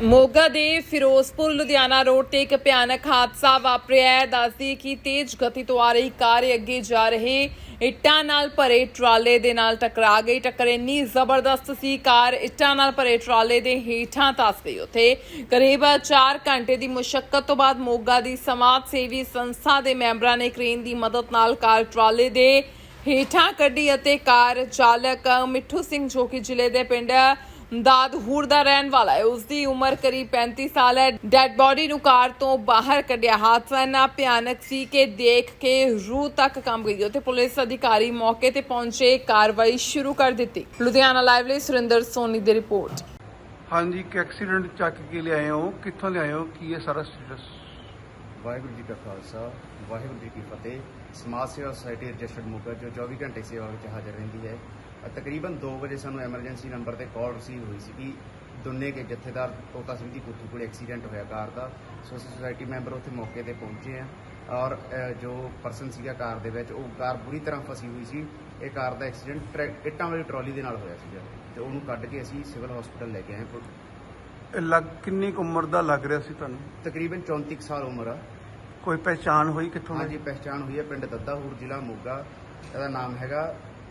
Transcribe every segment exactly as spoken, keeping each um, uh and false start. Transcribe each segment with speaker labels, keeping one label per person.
Speaker 1: ਮੋਗਾ ਦੇ ਫਿਰੋਜ਼ਪੁਰ ਲੁਧਿਆਣਾ ਰੋਡ ਤੇ ਇੱਕ ਭਿਆਨਕ ਹਾਦਸਾ ਵਾਪਰਿਆ ਹੈ। ਦੱਸਦੀ ਕਿ ਤੇਜ਼ ਗਤੀ ਤੋਂ ਆ ਰਹੀ ਕਾਰ ਅੱਗੇ ਜਾ ਰਹੇ ਇੱਟਾਂ ਨਾਲ ਭਰੇ ਟਰਾਲੇ ਦੇ ਨਾਲ ਟਕਰਾ ਗਈ। ਟੱਕਰ ਇੰਨੀ ਜ਼ਬਰਦਸਤ ਸੀ, ਕਾਰ ਇੱਟਾਂ ਨਾਲ ਭਰੇ ਟਰਾਲੇ ਦੇ ਹੇਠਾਂ ਧੱਸ ਗਈ। ਉੱਥੇ ਕਰੀਬ ਚਾਰ ਘੰਟੇ ਦੀ ਮੁਸ਼ੱਕਤ ਤੋਂ ਬਾਅਦ ਮੋਗਾ ਦੀ ਸਮਾਜ ਸੇਵੀ ਸੰਸਥਾ ਦੇ ਮੈਂਬਰਾਂ ਨੇ ਕ੍ਰੇਨ ਦੀ ਮਦਦ ਨਾਲ ਕਾਰ ਟਰਾਲੇ ਦੇ ਹੇਠਾਂ ਕੱਢੀ ਅਤੇ ਕਾਰ ਚਾਲਕ ਮਿੱਠੂ ਸਿੰਘ ਜੋ ਕਿ ਜ਼ਿਲ੍ਹੇ ਦੇ ਪਿੰਡ ਦਾਦਹੂਰ ਦਾ ਰਹਿਣ ਵਾਲਾ ਹੈ, ਉਸ ਦੀ ਉਮਰ ਕਰੀਬ पैंतीस ਸਾਲ ਹੈ, ਡੈਡ ਬੋਡੀ ਨੂੰ ਕਾਰ ਤੋਂ ਬਾਹਰ ਕੱਢਿਆ। ਹਾਦਸਾ ਇੰਨਾ ਭਿਆਨਕ ਸੀ ਕਿ ਦੇਖ ਕੇ ਰੂਹ ਤੱਕ ਕੰਬ ਗਈ। ਉੱਥੇ ਪੁਲਿਸ ਅਧਿਕਾਰੀ ਮੌਕੇ ਤੇ ਪਹੁੰਚੇ, ਕਾਰਵਾਈ ਸ਼ੁਰੂ ਕਰ ਦਿੱਤੀ। ਲੁਧਿਆਣਾ ਲਾਈਵ ਲਈ ਸੁਰਿੰਦਰ ਸੋਨੀ ਦੀ ਰਿਪੋर्ट।
Speaker 2: हाँ जी, एक एक्सीडेंट ਚੱਕ ਕੇ ਲਿਆਏ ਹੋ, ਕਿੱਥੋਂ ਲਿਆਏ ਹੋ, ਕੀ ਹੈ ਸਾਰਾ ਸਟੇਟਸ?
Speaker 3: ਵਾਹਿਗੁਰੂ ਜੀ ਕਾ ਖਾਲਸਾ, ਵਾਹਿਗੁਰੂ ਜੀ ਕੀ ਫਤਿਹ। ਸਮਾਜ ਸੇਵਾ ਸੁਸਾਇਟੀ ਰਜਿਸਟਰਡ ਮੋਗਾ ਜੋ चौबीस ਘੰਟੇ ਸੇਵਾ ਵਿੱਚ ਹਾਜ਼ਰ ਰਹਿੰਦੀ ਹੈ। ਤਕਰੀਬਨ दो ਵਜੇ ਸਾਨੂੰ ਐਮਰਜੈਂਸੀ ਨੰਬਰ ਤੇ ਕਾਲ ਰਿਸੀਵ ਹੋਈ ਸੀ ਕਿ ਦੁੰਨੇ ਕੇ ਜਥੇਦਾਰ ਤੋਤਾ ਸਿੰਘ ਦੀ ਕੋਠੀ ਕੋਲ ਐਕਸੀਡੈਂਟ ਹੋਇਆ ਕਾਰ ਦਾ। ਸੋ ਅਸੀਂ ਸੁਸਾਇਟੀ ਮੈਂਬਰ ਉੱਥੇ ਮੌਕੇ ਤੇ ਪਹੁੰਚੇ ਆ ਔਰ ਜੋ ਪਰਸਨ ਸੀਗਾ ਕਾਰ ਦੇ ਵਿੱਚ, ਉਹ ਕਾਰ ਬੁਰੀ ਤਰ੍ਹਾਂ ਫਸੀ ਹੋਈ ਸੀ। ਇਹ ਕਾਰ ਦਾ ਐਕਸੀਡੈਂਟ ਇੱਟਾਂ ਵਾਲੀ ਟਰਾਲੀ ਦੇ ਨਾਲ ਹੋਇਆ ਸੀਗਾ ਤੇ ਉਹਨੂੰ ਕੱਢ ਕੇ ਅਸੀਂ ਸਿਵਲ ਹਸਪੀਟਲ ਲੈ ਕੇ ਆਏ।
Speaker 2: ਇਹ ਲੱਗ ਕਿੰਨੀ ਕੁ ਉਮਰ ਦਾ ਲੱਗ ਰਿਹਾ ਸੀ ਤੁਹਾਨੂੰ?
Speaker 3: ਤਕਰੀਬਨ चौंतीस ਸਾਲ ਉਮਰ ਆ।
Speaker 2: ਕੋਈ ਪਹਿਚਾਣ ਹੋਈ ਕਿੱਥੋਂ?
Speaker 3: ਹਾਂਜੀ, ਪਹਿਚਾਣ ਹੋਈ ਹੈ, ਪਿੰਡ ਦੱਦਾਹੂਰ, ਜ਼ਿਲ੍ਹਾ ਮੋਗਾ। ਇਹਦਾ ਨਾਮ ਹੈਗਾ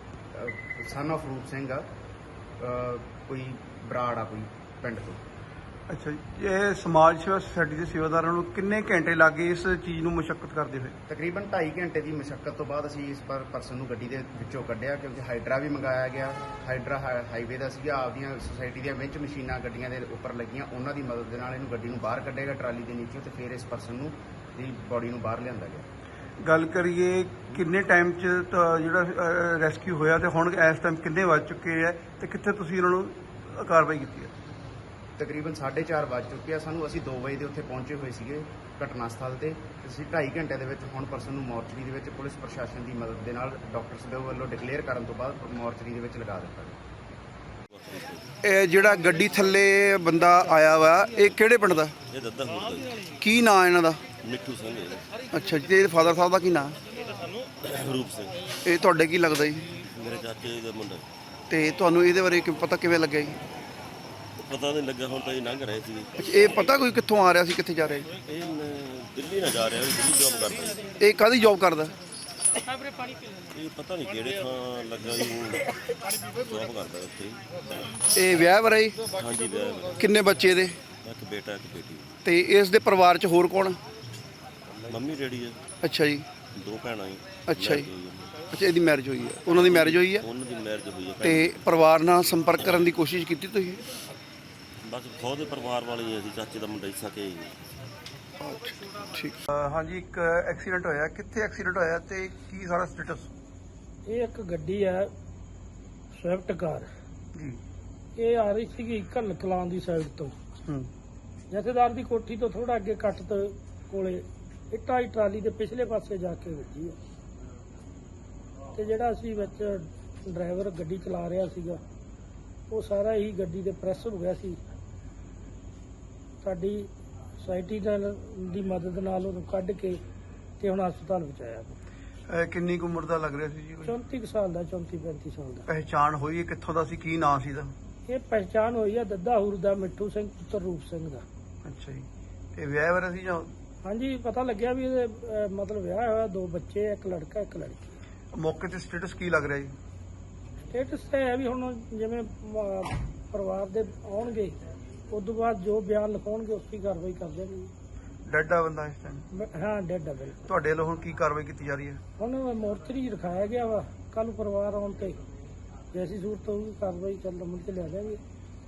Speaker 3: ਸਨ ਆਫ ਰੂਪ ਸਿੰਘ ਆ, ਕੋਈ ਬਰਾੜ ਆ ਕੋਈ ਪਿੰਡ ਤੋਂ।
Speaker 2: ਅੱਛਾ ਜੀ, ਇਹ ਸਮਾਜ ਸੇਵਾ ਸੁਸਾਇਟੀ ਦੇ ਸੇਵਾਦਾਰਾਂ ਨੂੰ ਕਿੰਨੇ ਘੰਟੇ ਲੱਗੇ ਇਸ ਚੀਜ਼ ਨੂੰ ਮੁਸ਼ੱਕਤ ਕਰਦੇ ਹੋਏ?
Speaker 3: ਤਕਰੀਬਨ ਢਾਈ ਘੰਟੇ ਦੀ ਮੁਸ਼ੱਕਤ ਤੋਂ ਬਾਅਦ ਅਸੀਂ ਇਸ ਪਰ ਪਰਸਨ ਨੂੰ ਗੱਡੀ ਦੇ ਵਿੱਚੋਂ ਕੱਢਿਆ, ਕਿਉਂਕਿ ਹਾਈਡਰਾ ਵੀ ਮੰਗਾਇਆ ਗਿਆ। ਹਾਈਡਰਾ ਹਾਈਵੇ ਦਾ ਸੀਗਾ, ਆਪਦੀਆਂ ਸੁਸਾਇਟੀ ਦੀਆਂ ਵਿੱਚ ਮਸ਼ੀਨਾਂ ਗੱਡੀਆਂ ਦੇ ਉੱਪਰ ਲੱਗੀਆਂ, ਉਹਨਾਂ ਦੀ ਮਦਦ ਦੇ ਨਾਲ ਇਹਨੂੰ ਗੱਡੀ ਨੂੰ ਬਾਹਰ ਕੱਢੇਗਾ ਟਰਾਲੀ ਦੇ ਨੀਚੋਂ ਤੇ ਫਿਰ ਇਸ ਪਰਸਨ ਨੂੰ ਦੀ ਬੋਡੀ ਨੂੰ ਬਾਹਰ ਲਿਆਂਦਾ ਗਿਆ।
Speaker 2: ਗੱਲ ਕਰੀਏ ਕਿੰਨੇ ਟਾਈਮ 'ਚ ਤਾਂ ਜਿਹੜਾ ਰੈਸਕਿਊ ਹੋਇਆ ਤੇ ਹੁਣ ਇਸ ਟਾਈਮ ਕਿੰਨੇ ਵੱਜ ਚੁੱਕੇ ਹੈ ਤੇ ਕਿੱਥੇ ਤੁਸੀਂ ਇਹਨਾਂ ਨੂੰ ਕਾਰਵਾਈ ਕੀਤੀ ਹੈ?
Speaker 3: ਤਕਰੀਬਨ ਸਾਢੇ ਚਾਰ ਵੱਜ ਚੁੱਕੇ ਆ ਸਾਨੂੰ। ਅਸੀਂ ਦੋ ਵਜੇ ਦੇ ਉੱਥੇ ਪਹੁੰਚੇ ਹੋਏ ਸੀਗੇ ਘਟਨਾ ਸਥਲ ਤੇ। ਅਸੀਂ ਢਾਈ ਘੰਟੇ ਦੇ ਵਿੱਚ ਹੁਣ ਪਰਸਨ ਨੂੰ ਮੋਰਚਰੀ ਦੇ ਵਿੱਚ ਪੁਲਿਸ ਪ੍ਰਸ਼ਾਸਨ ਦੀ ਮਦਦ ਦੇ ਨਾਲ ਡਾਕਟਰਸ ਦੇ ਵੱਲੋਂ ਡਿਕਲੇਅਰ ਕਰਨ ਤੋਂ ਬਾਅਦ ਮੋਰਚਰੀ ਦੇ ਵਿੱਚ ਲਗਾ ਦਿੱਤਾ ਗਿਆ।
Speaker 2: ਇਹ ਜਿਹੜਾ ਗੱਡੀ ਥੱਲੇ ਬੰਦਾ ਆਇਆ ਵਾ, ਇਹ ਕਿਹੜੇ ਪਿੰਡ ਦਾ?
Speaker 4: ਇਹ ਦੱਦਾਹੂਰ ਦਾ ਜੀ।
Speaker 2: ਕੀ ਨਾਂ ਇਹਨਾਂ ਦਾ?
Speaker 4: ਮਿੱਠੂ ਸਿੰਘ ਹੈ।
Speaker 2: ਅੱਛਾ ਜੀ, ਤੇ ਇਹਦੇ ਫਾਦਰ ਸਾਹਿਬ ਦਾ ਕੀ ਨਾਂ?
Speaker 4: ਰੂਪ ਸਿੰਘ।
Speaker 2: ਇਹ ਤੁਹਾਡੇ ਕੀ ਲੱਗਦਾ ਜੀ?
Speaker 4: ਮੇਰੇ ਚਾਚੇ ਦਾ ਮੁੰਡਾ।
Speaker 2: ਤੇ ਤੁਹਾਨੂੰ ਇਹਦੇ ਬਾਰੇ ਕਿਵੇਂ ਪਤਾ ਕਿਵੇਂ ਲੱਗਿਆ ਜੀ?
Speaker 4: ਪਤਾ ਨਹੀਂ ਲੱਗਾ, ਹੁਣ ਤਾਂ ਇਹ ਲੰਘ ਰਹੇ ਸੀ।
Speaker 2: ਅੱਛਾ, ਇਹ ਪਤਾ ਕੋਈ ਕਿੱਥੋਂ ਆ ਰਿਹਾ ਸੀ, ਕਿੱਥੇ ਜਾ ਰਿਹਾ ਜੀ?
Speaker 4: ਇਹ ਨ- ਦਿੱਲੀ ਨਾ ਜਾ ਰਿਹਾ, ਇਹ ਦਿੱਲੀ ਜੌਬ ਕਰਦਾ ਜੀ।
Speaker 2: ਇਹ ਕਾਹਦੀ ਜੌਬ ਕਰਦਾ?
Speaker 4: ਇਹ ਪਤਾ ਨਹੀਂ ਕਿਹੜੇ ਥਾਂ ਲੱਗਾ ਜੀ, ਜੌਬ ਕਰਦਾ ਉੱਥੇ।
Speaker 2: ਇਹ ਵਿਆਹ ਵਰਾ ਜੀ?
Speaker 4: ਹਾਂਜੀ, ਵਿਆਹ ਮੇਰਾ।
Speaker 2: ਕਿੰਨੇ ਬੱਚੇ ਇਹਦੇ?
Speaker 4: ਇੱਕ ਬੇਟਾ ਇੱਕ ਬੇਟੀ।
Speaker 2: ਤੇ ਇਸ ਦੇ ਪਰਿਵਾਰ 'ਚ ਹੋਰ ਕੌਣ?
Speaker 4: ਮੰਮੀ ਡੈਡੀ ਹੈ,
Speaker 2: ਅੱਛਾ ਜੀ,
Speaker 4: ਦੋ ਭੈਣਾਂ ਜੀ।
Speaker 2: ਅੱਛਾ ਜੀ, ਅੱਛਾ ਇਹਦੀ ਮੈਰਿਜ ਹੋਈ ਹੈ, ਉਹਨਾਂ ਦੀ ਮੈਰਿਜ ਹੋਈ ਹੈ
Speaker 4: ਉਹਨਾਂ ਦੀ ਮੈਰਿਜ ਹੋਈ ਹੈ।
Speaker 2: ਤੇ ਪਰਿਵਾਰ ਨਾਲ ਸੰਪਰਕ ਕਰਨ ਦੀ ਕੋਸ਼ਿਸ਼ ਕੀਤੀ ਤੁਸੀਂ?
Speaker 4: ਬਸ ਖੁਦ ਦੇ ਪਰਿਵਾਰ ਵਾਲੇ ਹੀ ਅਸੀਂ, ਚਾਚੇ ਦਾ ਮੁੰਡਾ ਹੀ ਸਕੇ ਜੀ।
Speaker 2: ਠੀਕ। ਹਾਂਜੀ, ਇੱਕ ਐਕਸੀਡੈਂਟ ਹੋਇਆ, ਕਿੱਥੇ ਐਕਸੀਡੈਂਟ ਹੋਇਆ ਤੇ ਕੀ ਸਾਰਾ ਸਟੇਟਸ?
Speaker 5: ਇਹ ਇੱਕ ਗੱਡੀ ਹੈ ਸਵਿਫਟ ਕਾਰ
Speaker 2: ਜੀ।
Speaker 5: ਇਹ ਆ ਰਹੀ ਸੀਗੀ ਘੱਲ ਕਲਾਂ ਦੀ ਸਾਈਡ ਤੋਂ।
Speaker 2: ਹੂੰ।
Speaker 5: ਜਥੇਦਾਰ ਦੀ ਕੋਠੀ ਤੋਂ ਥੋੜਾ ਅੱਗੇ ਕੱਟ ਤੋਂ ਕੋਲੇ ਇੱਟਾਂ ਦੀ ਟਰਾਲੀ ਦੇ ਪਿਛਲੇ ਪਾਸੇ ਜਾ ਕੇ ਵੱਜੀ ਹੈ ਤੇ ਜਿਹੜਾ ਅਸੀਂ ਵਿੱਚ ਡਰਾਈਵਰ ਗੱਡੀ ਚਲਾ ਰਿਹਾ ਸੀਗਾ, ਉਹ ਸਾਰਾ ਹੀ ਗੱਡੀ ਦੇ ਪ੍ਰੈਸ ਹੋ ਗਿਆ ਸੀ। ਸਾਡੀ ਸੁਸਾਇਟੀ ਦੀ ਮਦਦ ਨਾਲ ਉਹਨੂੰ ਕੱਢ ਕੇ ਤੇ ਹੁਣ ਹਸਪਤਾਲ ਪਹੁੰਚਾਇਆ।
Speaker 2: ਇਹ ਕਿੰਨੀ ਕੁ ਉਮਰ ਦਾ ਲੱਗ ਰਿਹਾ ਸੀ ਜੀ? ਕੋਈ
Speaker 5: ਚੌਂਤੀ ਕੁ ਸਾਲ ਦਾ, ਚੌਂਤੀ ਪੈਂਤੀ ਸਾਲ ਦਾ।
Speaker 2: ਪਹਿਚਾਣ ਹੋਈ ਹੈ ਕਿੱਥੋਂ ਦਾ ਸੀ, ਕੀ ਨਾਂ ਸੀ ਇਹਦਾ?
Speaker 5: ਇਹ ਪਹਿਚਾਣ ਹੋਈ ਹੈ ਦੱਦਾਹੂਰ ਦਾ ਮਿੱਠੂ ਸਿੰਘ ਪੁੱਤਰ ਰੂਪ ਸਿੰਘ ਦਾ।
Speaker 2: ਅੱਛਾ ਜੀ, ਇਹ ਵਿਆਹ ਵਰਾ ਸੀ ਜਾਂ?
Speaker 5: ਹਾਂਜੀ, ਪਤਾ ਲੱਗਿਆ ਵੀ ਇਹਦੇ ਅਹ, ਮਤਲਬ ਵਿਆਹ ਹੋਇਆ, ਦੋ ਬੱਚੇ, ਇੱਕ ਲੜਕਾ ਇੱਕ ਲੜਕੀ।
Speaker 2: ਮੌਕੇ ਤੇ ਸਟੇਟਸ ਕੀ ਲੱਗ ਰਿਹਾ ਜੀ?
Speaker 5: ਸਟੇਟਸ ਤੇ ਹੈ ਵੀ ਹੁਣ ਜਿਵੇਂ ਅਹ, ਪਰਿਵਾਰ ਦੇ ਆਉਣਗੇ ਉਸ ਤੋਂ ਬਾਅਦ ਜੋ ਬਿਆਨ ਲਿਖਾਉਣਗੇ ਉਸ ਦੀ ਕਾਰਵਾਈ ਕਰ ਦੇਣਗੇ।
Speaker 2: ਡੈਡ ਆ ਬੰਦਾ ਇਸ ਟਾਈਮ?
Speaker 5: ਹਾਂ, ਡੈਡ ਆ ਬਿਲਕੁਲ।
Speaker 2: ਤੁਹਾਡੇ ਵੱਲੋਂ ਹੁਣ ਕੀ ਕਾਰਵਾਈ ਕੀਤੀ ਜਾ ਰਹੀ ਹੈ?
Speaker 5: ਹੁਣ ਮੋਰਚਰੀ ਰਖਾਇਆ ਗਿਆ ਵਾ, ਕੱਲ ਪਰਿਵਾਰ ਆਉਣ ਤੇ ਜੈਸੀ ਸੂਰਤ ਹੋਊਗੀ ਕਾਰਵਾਈ ਚੱਲ ਮੁੜ ਕੇ ਲਿਆ ਜਾਵਾਂਗੇ।